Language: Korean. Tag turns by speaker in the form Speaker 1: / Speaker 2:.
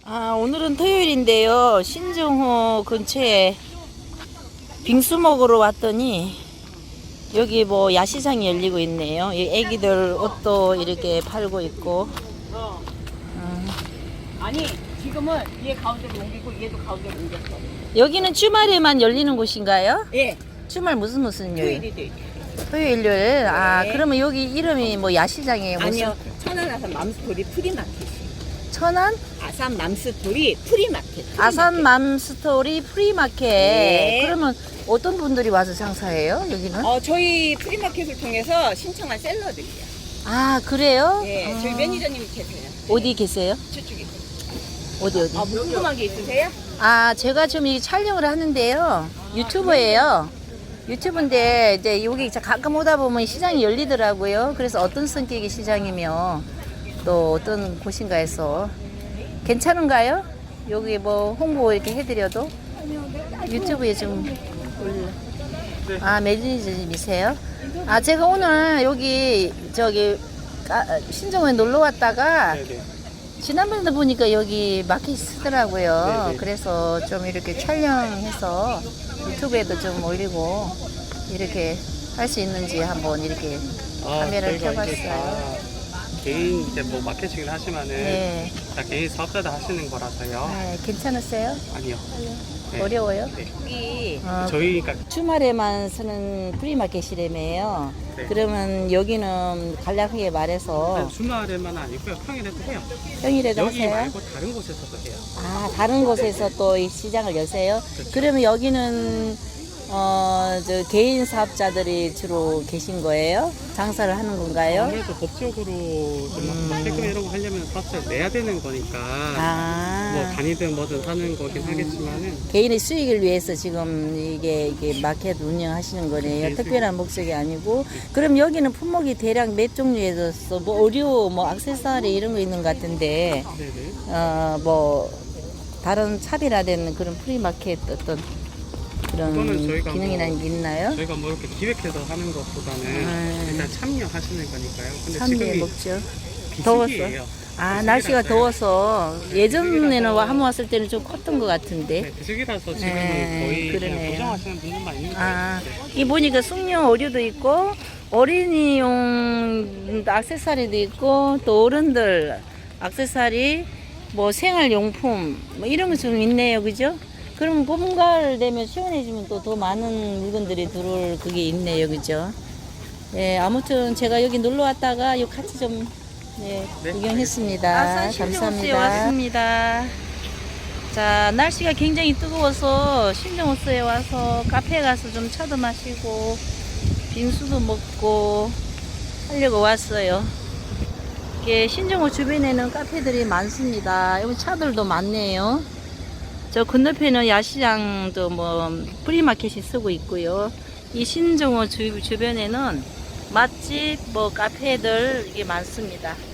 Speaker 1: 오늘은 토요일인데요. 신정호 근처에 빙수 먹으러 왔더니 여기 뭐 야시장이 열리고 있네요. 이 애기들 옷도 이렇게 팔고 있고.
Speaker 2: 아니 지금은 얘 가운데로 옮기고 얘도 가운데로 옮겼어.
Speaker 1: 여기는 주말에만 열리는 곳인가요?
Speaker 2: 예.
Speaker 1: 주말 무슨 요일?
Speaker 2: 토요일이 돼.
Speaker 1: 토요일, 일요일.
Speaker 2: 네.
Speaker 1: 그러면 여기 이름이 뭐 야시장이에요?
Speaker 2: 아니요. 천안 아산 맘스토리 프리마켓.
Speaker 1: 천안?
Speaker 2: 아산 맘스토리 프리마켓.
Speaker 1: 아산 맘스토리 프리마켓.
Speaker 2: 네.
Speaker 1: 그러면 어떤 분들이 와서 장사해요? 여기는?
Speaker 2: 저희 프리마켓을 통해서 신청한 셀러들이요.
Speaker 1: 그래요?
Speaker 2: 예. 저희 매니저님이 계세요.
Speaker 1: 어디 계세요?
Speaker 2: 저쪽에.
Speaker 1: 어디?
Speaker 2: 뭐 궁금한 게 있으세요?
Speaker 1: 제가 좀 이 촬영을 하는데요. 유튜버예요. 유튜브인데 이제 여기 가끔 오다 보면 시장이 열리더라고요. 그래서 어떤 성격의 시장이며 또 어떤 곳인가 해서 괜찮은가요? 여기 뭐 홍보 이렇게 해드려도 유튜브에 좀 올려. 매니저님이세요? 제가 오늘 여기 신정호에 놀러 왔다가 지난번에도 보니까 여기 마켓이 쓰더라고요.
Speaker 3: 네네.
Speaker 1: 그래서 좀 이렇게 촬영해서 유튜브에도 좀 올리고 이렇게 할 수 있는지 한번 이렇게 카메라를
Speaker 3: 저희가 이제
Speaker 1: 켜봤어요.
Speaker 3: 다 개인 이제 뭐 마케팅을 하시면은
Speaker 1: 네.
Speaker 3: 다 개인 사업자들 하시는 거라서요.
Speaker 1: 괜찮으세요?
Speaker 3: 아니요. 네.
Speaker 1: 어려워요?
Speaker 3: 네.
Speaker 1: 여기
Speaker 3: 저희가
Speaker 1: 주말에만 쓰는 프리마켓이라며요.
Speaker 3: 네.
Speaker 1: 그러면 여기는 간략하게 말해서
Speaker 3: 주말에만 아니고요. 평일에도 해요.
Speaker 1: 평일에도
Speaker 3: 여기
Speaker 1: 하세요?
Speaker 3: 말고 다른 곳에서도 해요.
Speaker 1: 다른 곳에서 또 이 시장을 여세요?
Speaker 3: 그렇죠.
Speaker 1: 그러면 여기는 개인 사업자들이 주로 계신 거예요? 장사를 하는 건가요?
Speaker 3: 아무래도 법적으로 세금 이런 거 하려면 사업자를 내야 되는 거니까 뭐 간이든 뭐든 하는 거긴 하겠지만은
Speaker 1: 개인의 수익을 위해서 지금 이게 마켓 운영하시는 거네요.
Speaker 3: 네,
Speaker 1: 특별한 목적이 아니고. 그럼 여기는 품목이 대략 몇 종류에 있어? 뭐 의류, 뭐 액세서리 이런 거 있는 것 같은데,
Speaker 3: 네네.
Speaker 1: 뭐 다른 차별화된 그런 프리마켓 어떤 그런
Speaker 3: 그거는 저희가
Speaker 1: 기능이라는 게 있나요?
Speaker 3: 저희가 뭐 이렇게 기획해서 하는 것보다는 일단 참여하시는 거니까요. 근데
Speaker 1: 참여
Speaker 3: 지금이
Speaker 1: 먹죠. 더웠어.
Speaker 3: 비수기예요.
Speaker 1: 날씨가
Speaker 3: 비수기라서요.
Speaker 1: 더워서 예전에는
Speaker 3: 비수기라서
Speaker 1: 한번 왔을 때는 좀 컸던 것 같은데.
Speaker 3: 네, 비수기라서 지금은
Speaker 1: 네,
Speaker 3: 거의 그냥
Speaker 1: 그러네요.
Speaker 3: 고정하시는 분들만 있는 거예요. 네.
Speaker 1: 이 보니까 숙녀 의류도 있고 어린이용 액세서리도 있고 또 어른들 액세서리 뭐 생활용품 뭐 이런 거 좀 있네요, 그죠? 그럼 봄가을 되면 시원해지면 또 더 많은 물건들이 들어올 그게 있네요, 그죠? 네, 아무튼 제가 여기 놀러 왔다가 요 같이 좀
Speaker 3: 네,
Speaker 1: 구경했습니다. 감사합니다. 왔습니다. 자, 날씨가 굉장히 뜨거워서 신정호수에 와서 카페에 가서 좀 차도 마시고 빙수도 먹고 하려고 왔어요. 이게 신정호 주변에는 카페들이 많습니다. 여기 차들도 많네요. 저 건너편은 야시장도 뭐 프리마켓이 쓰고 있고요. 이 신정호 주변에는 맛집, 뭐 카페들 이게 많습니다.